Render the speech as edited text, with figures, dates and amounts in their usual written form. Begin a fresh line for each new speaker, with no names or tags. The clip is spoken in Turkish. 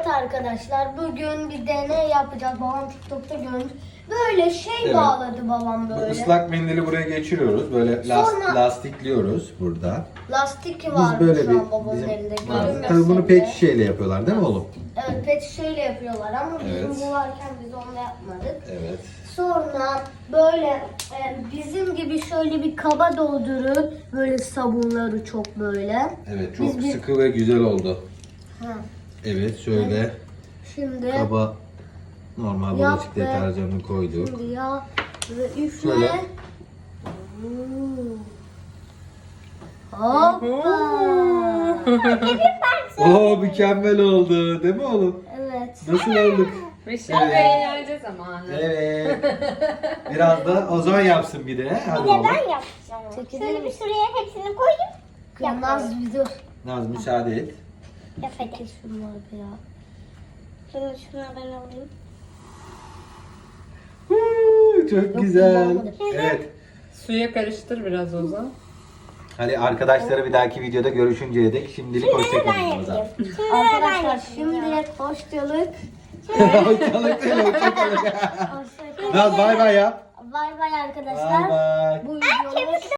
arkadaşlar, bugün bir deney yapacağız. Babam TikTok'ta görmüş. Böyle şey
Evet.
bağladı babam
Bu
böyle.
ıslak mendili buraya geçiriyoruz. Böyle
Sonra-
lastikliyoruz burada.
Lastik var
Biz böyle
şu an babamın
bizim
elinde.
var.
Görünmese
Tabii bunu
bile.
pet şişeyle yapıyorlar değil mi oğlum?
Evet, pet şişeyle yapıyorlar ama
Evet.
bizim bu varken biz onu yapmadık.
Evet.
Sonra böyle bizim gibi şöyle bir kaba doldurup böyle sabunları çok böyle.
Evet, çok
Biz bir-
sıkı ve güzel oldu.
Ha.
Evet, şöyle
Şimdi
kaba normal
Yap
bulaşık
be.
deterjanını koyduk.
Şimdi ya ve üfle.
Şöyle.
Hoppa.
Oo, mükemmel oldu değil mi oğlum?
Evet.
Nasıl olduk?
Ve şimdi
Evet.
eğlence zamanı.
Evet. Biraz da Ozan yapsın bir de. Hadi
Bir de
oğlum.
ben yapacağım.
Çekilir
Şöyle bir
misin?
şuraya hepsini koyayım.
Naz bir dur.
Naz müsaade et.
Yap hadi.
Şunları bir ya.
Şunu ben alayım.
Çok güzel.
kullanmadım.
Evet.
Suya karıştır biraz Ozan.
Hadi arkadaşları bir dahaki videoda görüşünceye dek şimdilik
Ben
hoşçakalın Ozan.
yapayım. Şimdi ben
Arkadaşlar
yapayım.
şimdilik hoşçakalın.
Hoşçakalın değil, hoşçakalın.
Hoşçakalın.
Naz bay bay yap.
Bay bay arkadaşlar.
Bay bay.
Bu videomuz